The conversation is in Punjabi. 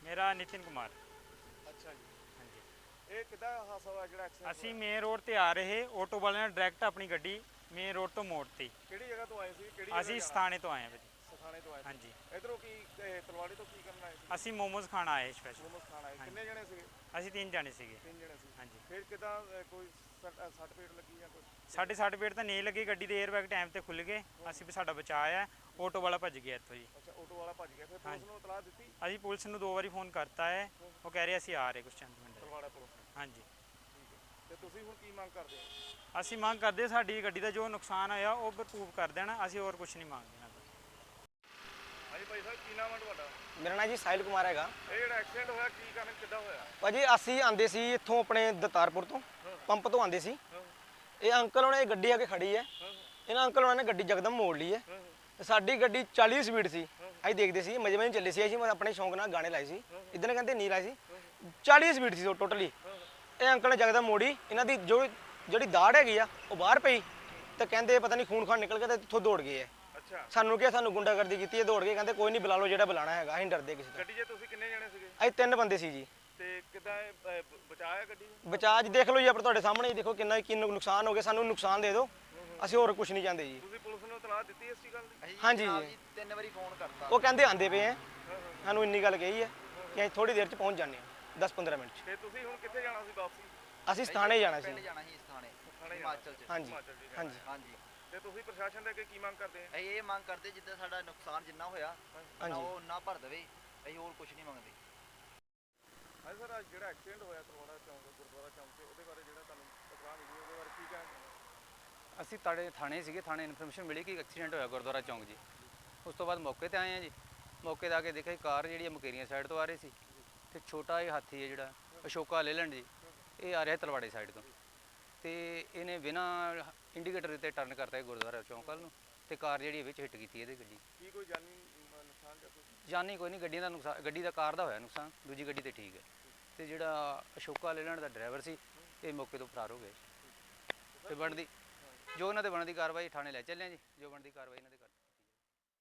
ਮੇਰਾ ਨਿਤਿਨ ਕੁਮਾਰ। ਅੱਛਾ ਜੀ, ਹਾਂਜੀ। ਇਹ ਕਿੱਦਾਂ ਹਾਦਸਾ ਹੋਇਆ ਜਿਹੜਾ ਐਕਸੀਡੈਂਟ ਅਸੀਂ ਮੇਨ ਰੋਡ ਤੇ ਆ ਰਹੇ, ਆਟੋ ਵਾਲੇ ਨੇ ਡਾਇਰੈਕਟ ਆਪਣੀ ਗੱਡੀ ਮੇਨ ਰੋਡ ਤੋਂ ਮੋੜਤੀ। ਕਿਹੜੀ ਜਗ੍ਹਾ ਤੋਂ ਆਏ ਸੀ? ਕਿਹੜੀ ਜਗ੍ਹਾ ਅਸੀਂ ਜਾਣਾ? ਸਥਾਨੇ ਤੋਂ ਆਏ ਹਾਂ ਭਾਜੀ। ਸਥਾਨੇ ਤੋਂ ਆਏ ਸੀ। ਹਾਂਜੀ। ਇਧਰੋਂ ਕੀ ਤਲਵਾੜੇ ਤੋਂ ਕੀ ਕਰਨ ਆਏ ਸੀ? ਅਸੀਂ ਮੋਮੋਜ਼ ਖਾਣ ਆਏ ਸਪੈਸ਼ਲ। ਮੋਮੋਸ ਖਾਣ ਆਏ। ਹਾਂਜੀ। ਕਿੰਨੇ ਜਣੇ ਸੀਗੇ? ਅਸੀਂ 3 ਜਾਣੇ ਸੀਗੇ। 3 ਜਣੇ ਸੀ। ਹਾਂਜੀ। ਫਿਰ ਕਿੱਦਾਂ ਕੋਈ ਸੱਟ ਫੇਟ ਲੱਗੀ ਜਾਂ ਕੁਝ? ਸਾਡੇ 60 ਫੀਟ ਤਾਂ ਨਹੀਂ ਲੱਗੀ, ਗੱਡੀ ਦੇ 에ਅਰਬੈਗ ਟਾਈਮ ਤੇ ਖੁੱਲ ਗਏ, ਅਸੀਂ ਵੀ ਸਾਡਾ ਬਚਾਅ ਹੈ। ਆਟੋ ਵਾਲਾ ਭੱਜ ਗਿਆ ਇੱਥੋਂ ਜੀ। ਅੱਛਾ, ਆਟੋ ਵਾਲਾ ਭੱਜ ਗਿਆ। ਫਿਰ ਪੁਲਿਸ ਨੂੰ ਇਤਲਾਹ ਦਿੱਤੀ? ਅਸੀਂ ਪੁਲਿਸ ਨੂੰ 2 ਵਾਰੀ ਫੋਨ ਕਰਤਾ ਹੈ, ਉਹ ਕਹਿ ਰਹੇ ਅਸੀਂ ਆ ਰਹੇ ਕੁਛ ਚੰਦ ਮਿੰਟ। ਤਲਵਾੜਾ ਪੁਲਿਸ ਨੂੰ? ਹਾਂਜੀ। ਠੀਕ ਹੈ। ਤੇ ਤੁਸੀਂ ਹੁਣ ਕੀ ਮੰਗ ਕਰਦੇ ਹੋ? ਅਸੀਂ ਮੰਗ ਕਰਦੇ ਸਾਡੀ ਗੱਡੀ ਦਾ ਜੋ ਨੁਕਸਾਨ ਹੋਇਆ ਉਹ ਭਰਪੂਰ ਕਰ ਦੇਣਾ, ਅਸੀਂ ਹੋਰ ਕੁਝ ਨਹੀਂ ਮੰਗਦੇ। ਹਾਂਜੀ ਭਾਈ ਸਾਹਿਬ, ਕੀ ਨਾਮ ਹੈ ਤੁਹਾਡਾ? ਮੇਰਾ ਨਾਂ ਜੀ ਸਾਹਿਲ ਕੁਮਾਰ ਹੈਗਾ। ਇਹ ਜਿਹੜਾ ਐਕਸੀਡੈਂਟ ਹੋਇਆ ਕੀ ਕਾਰਨ ਕਿੱਦਾਂ ਹੋਇਆ? ਭਾਜੀ ਅਸੀਂ ਆਂਦੇ ਸੀ ਇੱਥੋਂ ਆਪਣੇ ਦਤਾਰਪੁਰ ਤੋਂ, ਪੰਪ ਤੋਂ ਆਂਦੇ ਸੀ। ਇਹ ਅੰਕਲ ਉਹਨੇ ਗੱਡੀ ਆ ਕੇ ਖੜੀ ਹੈ, ਇਹਨਾਂ ਅੰਕਲ ਉਹਨਾਂ ਨੇ ਗੱਡੀ ਯਕਦਮ ਮੋੜ ਲਈ ਹੈ। ਸਾਡੀ ਗੱਡੀ 40 ਸਪੀਡ ਸੀ, ਅਸੀਂ ਦੇਖਦੇ ਸੀ ਮਜੇ ਮਜੇ ਚੱਲੇ ਸੀ। ਅਸੀਂ ਆਪਣੇ ਸ਼ੌਂਕ ਨਾਲ ਗਾਣੇ ਲਾਏ ਸੀ, ਇੱਦਾਂ ਕਹਿੰਦੇ ਨਹੀਂ ਲਾਏ ਸੀ। 40 ਸਪੀਡ ਸੀ ਟੋਟਲੀ। ਇਹ ਅੰਕਲ ਨੇ ਯਕਦਮ ਮੋੜੀ, ਇਹਨਾਂ ਦੀ ਜਿਹੜੀ ਦਾੜ ਹੈਗੀ ਆ ਉਹ ਬਾਹਰ ਪਈ, ਤੇ ਕਹਿੰਦੇ ਪਤਾ ਨਹੀਂ ਖੂਨ ਖਾਨ ਨਿਕਲ ਗਿਆ, ਤੇ ਇੱਥੋਂ ਦੌੜ ਗਏ ਹੈ। ਅੱਛਾ। ਸਾਨੂੰ ਕਿਹਾ ਸਾਨੂੰ ਗੁੰਡਾਗਰਦੀ ਕੀਤੀ ਹੈ, ਦੌੜ ਕੇ ਕਹਿੰਦੇ ਕੋਈ ਨਹੀਂ ਬੁਲਾ ਲਓ ਜਿਹੜਾ ਬੁਲਾਣਾ ਹੈਗਾ, ਅਸੀਂ ਡਰਦੇ ਕਿਸੇ ਤੋਂ। ਗੱਡੀ 'ਚ ਤੁਸੀਂ ਕਿੰਨੇ ਜਣੇ ਸੀਗੇ? ਅਸੀਂ 3 ਬੰਦੇ ਸੀ ਜੀ। ਤੇ ਕਿੱਦਾਂ ਬਚਾਇਆ ਗੱਡੀ ਨੂੰ? ਬਚਾਅ ਦੇਖ ਲਓ ਜੀ, ਆਪਣੇ ਤੁਹਾਡੇ ਸਾਹਮਣੇ ਹੀ ਦੇਖੋ ਕਿੰਨਾ ਕੀ ਨੁਕਸਾਨ ਹੋ ਗਿਆ। ਸਾਨੂੰ ਨੁਕਸਾਨ ਦੇ ਦਿਓ, ਅਸੀਂ ਹੋਰ ਕੁਝ ਨਹੀਂ ਚਾਹੁੰਦੇ ਜੀ। ਤੁਸੀਂ ਪੁਲਿਸ ਨੂੰ ਇਤਲਾਹ ਦਿੱਤੀ ਇਸ ਗੱਲ ਦੀ? ਹਾਂਜੀ ਜੀ, 3 ਵਾਰੀ ਫੋਨ ਕਰਤਾ। ਉਹ ਕਹਿੰਦੇ ਆਂਦੇ ਪਏ ਆ, ਸਾਨੂੰ ਇੰਨੀ ਗੱਲ ਕਹੀ ਹੈ ਕਿ ਅਸੀਂ ਥੋੜੀ ਦੇਰ 'ਚ ਪਹੁੰਚ ਜਾਂਦੇ ਹਾਂ, 10-15 ਮਿੰਟ 'ਚ। ਤੇ ਤੁਸੀਂ ਹੁਣ ਕਿੱਥੇ ਜਾਣਾ ਸੀ ਵਾਪਸੀ? ਅਸੀਂ ਸਥਾਨੇ ਜਾਣਾ ਸੀ। ਜਾਣਾ ਸੀ ਸਥਾਨੇ ਹਿਮਾਚਲ ਚ? ਹਾਂਜੀ ਹਿਮਾਚਲ ਚ ਜਾਣਾ ਹਾਂਜੀ ਹੈ। ਹਾਂਜੀ। ਤੇ ਤੁਸੀਂ ਪ੍ਰਸ਼ਾਸਨ ਦੇ ਅੱਗੇ ਕੀ ਮੰਗ ਕਰਦੇ ਆ? ਅਸੀਂ ਇਹ ਮੰਗ ਕਰਦੇ ਜਿੱਦਾਂ ਸਾਡਾ ਨੁਕਸਾਨ ਜਿੰਨਾ ਹੋਇਆ ਹਾਂਜੀ। ਉਹ ਉਨਾ ਭਰ ਦੇਵੇ, ਅਸੀਂ ਹੋਰ ਕੁਝ ਨਹੀਂ ਮੰਗਦੇ। ਹਾਂਜੀ ਸਰ, ਅੱਜ ਜਿਹੜਾ ਐਕਸੀਡੈਂਟ ਹੋਇਆ ਤਲਵਾੜਾ ਚੌਂਕ ਗੁਰਦੁਆਰਾ ਚੌਂਕ ਤੇ, ਉਹਦੇ ਬਾਰੇ ਜਿਹੜਾ ਤੁਹਾਨੂੰ ਇਤਲਾਹ ਮਿਲੀ ਉਹਦੇ ਬਾਰੇ ਕੀ ਕਹਿਣਾ? ਅਸੀਂ ਥਾਣੇ ਸੀਗੇ, ਥਾਣੇ ਇਨਫੋਰਮੇਸ਼ਨ ਮਿਲੀ ਕਿ ਐਕਸੀਡੈਂਟ ਹੋਇਆ ਗੁਰਦੁਆਰਾ ਚੌਂਕ ਜੀ। ਉਸ ਤੋਂ ਬਾਅਦ ਮੌਕੇ ਤੇ ਆਏ ਆ ਜੀ। ਮੌਕੇ ਤੇ ਆ ਕੇ ਦੇਖਿਆ ਕਾਰ ਜਿਹੜੀ ਹੈ ਮੁਕੇਰੀਆਂ ਸਾਈਡ ਤੋਂ ਆ ਰਹੀ ਸੀ, ਤੇ ਛੋਟਾ ਇਹ ਹਾਥੀ ਹੈ ਜਿਹੜਾ ਅਸ਼ੋਕਾ ਲੇਲੈਂਡ ਜੀ, ਇਹ ਆ ਰਿਹਾ ਤਲਵਾੜੇ ਸਾਈਡ ਤੋਂ, ਤੇ ਇਹਨੇ ਬਿਨਾਂ ਇੰਡੀਕੇਟਰ ਤੇ ਟਰਨ ਕਰਤਾ ਗੁਰਦੁਆਰਾ ਚੌਂਕ ਵੱਲ ਨੂੰ, ਤੇ ਕਾਰ ਜਿਹੜੀ ਵਿੱਚ ਹਿੱਟ ਕੀਤੀ ਇਹਦੇ ਗੱਡੀ। ਕੀ ਕੋਈ ਜਾਨੀ ਨੁਕਸਾਨ ਜਾਂ ਕੁਝ? ਜਾਨੀ ਕੋਈ ਨਹੀਂ, ਗੱਡੀਆਂ ਦਾ ਨੁਕਸਾਨ, ਗੱਡੀ ਦਾ ਕਾਰ ਦਾ ਹੋਇਆ ਨੁਕਸਾਨ, ਦੂਜੀ ਗੱਡੀ ਤੇ ਠੀਕ ਹੈ। ਤੇ ਜਿਹੜਾ ਅਸ਼ੋਕਾ ਲੇਲੈਂਡ ਦਾ ਡਰਾਈਵਰ ਸੀ ਇਹ ਮੌਕੇ ਤੋਂ ਫਰਾਰ ਹੋ ਗਏ। ਤੇ ਬਣਦੀ ਜੋ ਉਹਨਾਂ ਤੇ ਬਣਦੀ ਕਾਰਵਾਈ ਥਾਣੇ ਲੈ ਚੱਲੇ ਜੀ, ਜੋ ਬਣਦੀ ਕਾਰਵਾਈ ਇਹਨਾਂ ਦੇ